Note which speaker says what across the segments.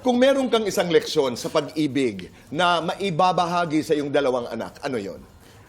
Speaker 1: Kung meron kang isang leksyon sa pag-ibig na maibabahagi sa iyong dalawang anak, ano yon?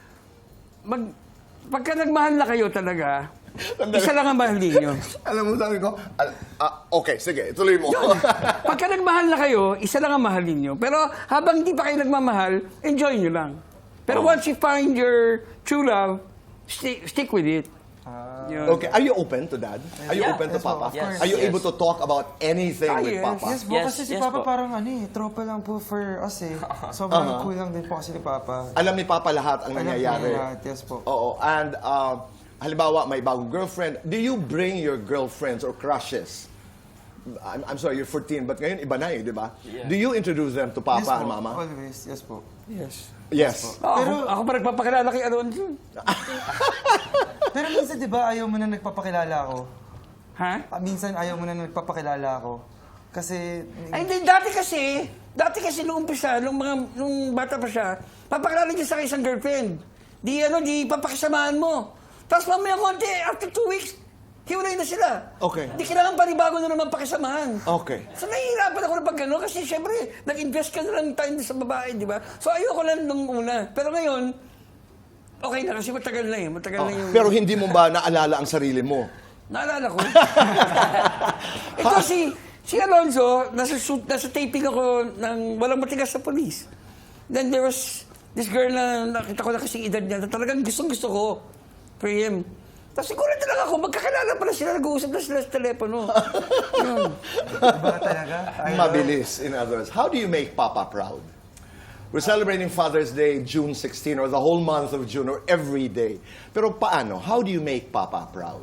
Speaker 2: Pagka nagmahal na kayo talaga, isa lang ang mahal ninyo.
Speaker 1: Alam mo, sabi ko, okay, sige, tuloy mo.
Speaker 2: Pagka nagmahal na kayo, isa lang ang mahal ninyo. Pero habang hindi pa kayo nagmamahal, enjoy nyo lang. Pero once you find your true love, stick with it. Yun.
Speaker 1: Okay, are you open to Dad? Are you open to
Speaker 3: Yes,
Speaker 1: Papa?
Speaker 3: of course.
Speaker 1: Are you
Speaker 3: Yes.
Speaker 1: able to talk about anything with
Speaker 2: yes.
Speaker 1: Papa?
Speaker 3: Yes po, kasi si
Speaker 4: Yes
Speaker 3: Papa
Speaker 4: po.
Speaker 3: parang tropa lang po for us eh. Sobrang cool lang din po kasi ni Papa.
Speaker 1: Alam ni Papa lahat ang
Speaker 3: Alam po
Speaker 1: nangyayari.
Speaker 3: lahat, yes po.
Speaker 1: Oo, and halimbawa may bagong girlfriend, do you bring your girlfriends or crushes? I'm sorry, you're 14, but ngayon iba na eh, di ba?
Speaker 4: Yeah.
Speaker 1: Do you introduce them to Papa
Speaker 3: Yes po,
Speaker 1: and Mama?
Speaker 3: always, yes po.
Speaker 2: Yes.
Speaker 1: Yes.
Speaker 2: Ako pa nagpapakilala kay Alonzo.
Speaker 3: Pero minsan di ba ayaw mo na nagpapakilala ako?
Speaker 2: Ha?
Speaker 3: Minsan ayaw mo na nagpapakilala ako. Kasi,
Speaker 2: Ay, hindi, dati kasi nung umpisa, nung bata pa siya, papakilala niya sa akin isang girlfriend. Di papakisamahan mo. Tapos mamaya konti, after 2 weeks, hiwalay na sila.
Speaker 1: Okay.
Speaker 2: Hindi kailangan panibago na naman pakisamahan.
Speaker 1: Okay.
Speaker 2: So nahihirapan ako na pag gano'n kasi syempre, nag-invest ka na lang time sa babae, di ba? So ayoko lang nung una. Pero ngayon, okay na kasi matagal na eh. Matagal na yung...
Speaker 1: Pero hindi mo ba naalala ang sarili mo?
Speaker 2: Naalala ko. Ito si Alonzo, nasa taping ako ng Walang Matigas sa Police. Then there was this girl na nakita ko na kasing edad niya na talagang gustong-gusto ko. For him. Tapos siguro talaga ako, magkakilala pala sila, nag-uusap na sila sa telepono. Yun.
Speaker 3: diba talaga?
Speaker 1: Mabilis, in other words. How do you make Papa proud? We're celebrating Father's Day, June 16, or the whole month of June, or every day. Pero paano? How do you make Papa proud?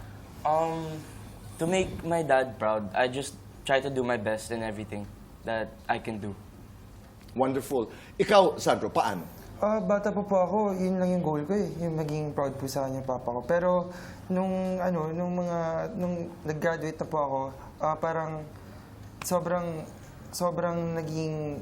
Speaker 4: To make my dad proud, I just try to do my best in everything that I can do.
Speaker 1: Wonderful. Ikaw, Sandro, paano?
Speaker 3: Bata pa po ako, yun lang yung goal ko eh. Yung maging proud po sa kanya papa ko. Pero nung nag-graduate na po ako, parang sobrang naging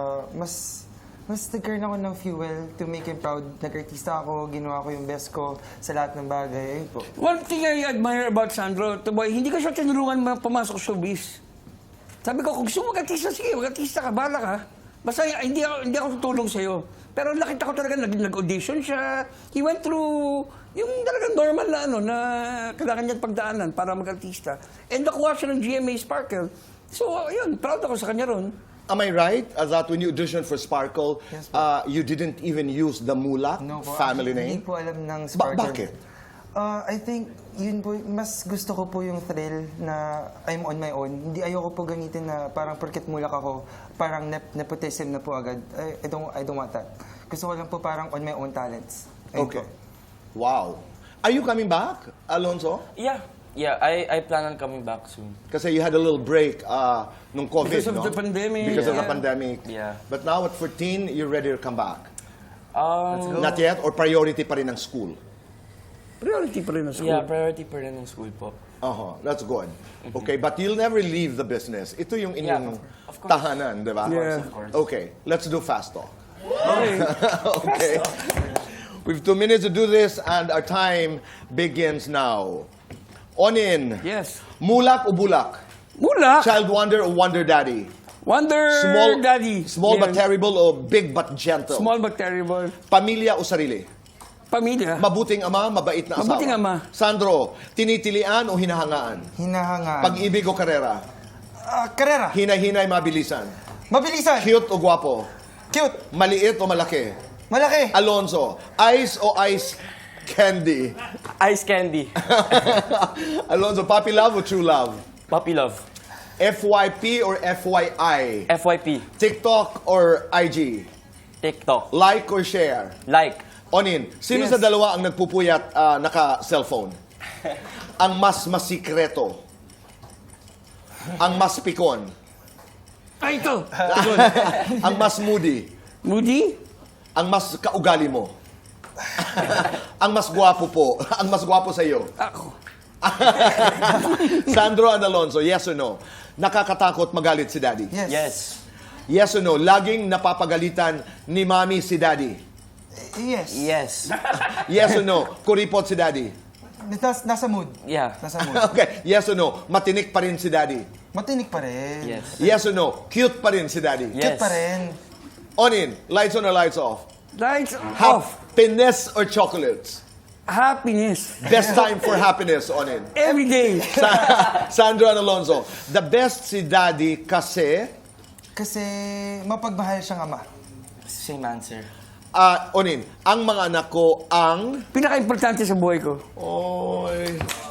Speaker 3: mas nagkaroon ako ng fuel to make him proud. Nag-artista ako, ginawa ko yung best ko sa lahat ng bagay. Ayun po.
Speaker 2: One thing I admire about Sandro, boy, hindi ka siya tinulungan pumasok sa showbiz. Sabi ko, kung gusto mo mag-artista, sige, mag-artista ka, bahala ka. Basta hindi ako tutulong sa'yo. Pero nakita ko talaga, nag-audition siya. He went through yung talagang normal na na kailangan niya pagdaanan para mag-artista. And nakuha siya ng GMA Sparkle. So, yun, proud ako sa kanya ron.
Speaker 1: Am I right that when you auditioned for Sparkle,
Speaker 3: Yes, po.
Speaker 1: you didn't even use the Mulak
Speaker 3: No po,
Speaker 1: family
Speaker 3: actually,
Speaker 1: name?
Speaker 3: Hindi po alam ng Sparkle.
Speaker 1: Bakit?
Speaker 3: I think, yun po, mas gusto ko po yung thrill na I'm on my own. Hindi ayoko po gamitin na parang porket mulak ako, parang nepotism na po agad. I don't want that. Gusto ko lang po parang on my own talents. Ayun
Speaker 1: Okay.
Speaker 3: po.
Speaker 1: Wow. Are you coming back, Alonzo?
Speaker 4: Yeah, I plan on coming back soon.
Speaker 1: Kasi you had a little break nung COVID,
Speaker 2: Because of
Speaker 1: no?
Speaker 2: the pandemic.
Speaker 1: Because of the
Speaker 2: Yeah.
Speaker 1: pandemic.
Speaker 4: Yeah.
Speaker 1: But now at 14, you're ready to come back.
Speaker 4: Go.
Speaker 1: Not yet? Or priority pa rin ang school?
Speaker 2: Priority pa rin ang school.
Speaker 4: Yeah, priority pa rin ng school po.
Speaker 1: That's good. Okay, but you'll never leave the business. Ito yung inyong
Speaker 4: of course.
Speaker 1: tahanan, di ba?
Speaker 2: Yeah.
Speaker 4: Of course.
Speaker 1: Okay, let's do fast talk.
Speaker 2: Okay.
Speaker 1: Okay. We have 2 minutes to do this and our time begins now. On in.
Speaker 2: Yes.
Speaker 1: Mulak o bulak?
Speaker 2: Mula,
Speaker 1: Child wonder or wonder daddy?
Speaker 2: Wonder Daddy.
Speaker 1: Small but
Speaker 2: Yan.
Speaker 1: terrible o big but gentle?
Speaker 2: Small but terrible.
Speaker 1: Pamilya o sarili?
Speaker 2: Pamilya.
Speaker 1: Mabuting ama, mabait na asawa?
Speaker 2: Mabuting ama.
Speaker 1: Sandro, tinitilian o hinahangaan?
Speaker 3: Hinahangaan.
Speaker 1: Pag-ibig o karera?
Speaker 3: Karera.
Speaker 1: Hinay-hinay, mabilisan?
Speaker 3: Mabilisan.
Speaker 1: Cute o gwapo?
Speaker 3: Cute.
Speaker 1: Maliit o malaki?
Speaker 3: Malaki.
Speaker 1: Alonzo, ice o ice candy?
Speaker 4: Ice candy.
Speaker 1: Alonzo, puppy love o true love?
Speaker 4: Puppy love.
Speaker 1: FYP or FYI?
Speaker 4: FYP.
Speaker 1: TikTok or IG?
Speaker 4: TikTok.
Speaker 1: Like or share?
Speaker 4: Like.
Speaker 1: Onin, sino
Speaker 2: Yes.
Speaker 1: sa dalawa ang nagpupuyat naka-cellphone? Ang mas masikreto? Ang mas pikon?
Speaker 2: Ay, ito.
Speaker 1: Ang mas moody?
Speaker 2: Moody?
Speaker 1: Ang mas kaugali mo? Ang mas gwapo po? Ang mas gwapo sa iyo?
Speaker 2: Ako.
Speaker 1: Sandro and Alonzo, yes or no? Nakakatakot magalit si Daddy?
Speaker 3: Yes.
Speaker 4: Yes.
Speaker 1: Yes or no? Laging napapagalitan ni Mami si Daddy?
Speaker 3: Yes.
Speaker 4: Yes.
Speaker 1: Yes or no? Kuripot si Daddy?
Speaker 3: Nasa mood.
Speaker 4: Yeah.
Speaker 3: Nasa mood.
Speaker 1: Okay, yes or no? Matinik pa rin si Daddy?
Speaker 3: Matinik pa rin.
Speaker 4: Yes.
Speaker 1: Yes or no? Cute pa rin si daddy.
Speaker 4: Yes.
Speaker 3: Cute pa rin.
Speaker 1: Onin, lights on or lights off?
Speaker 2: Lights off.
Speaker 1: Happiness or chocolates?
Speaker 2: Happiness.
Speaker 1: Best time for happiness, Onin.
Speaker 2: Every day.
Speaker 1: Sandro and Alonzo, the best si daddy kasi,
Speaker 3: Kasi mapagmahal siyang ama.
Speaker 4: Same answer.
Speaker 1: Onin, ang mga anak ko ang...
Speaker 2: Pinaka-importante sa buhay ko.
Speaker 1: Oy.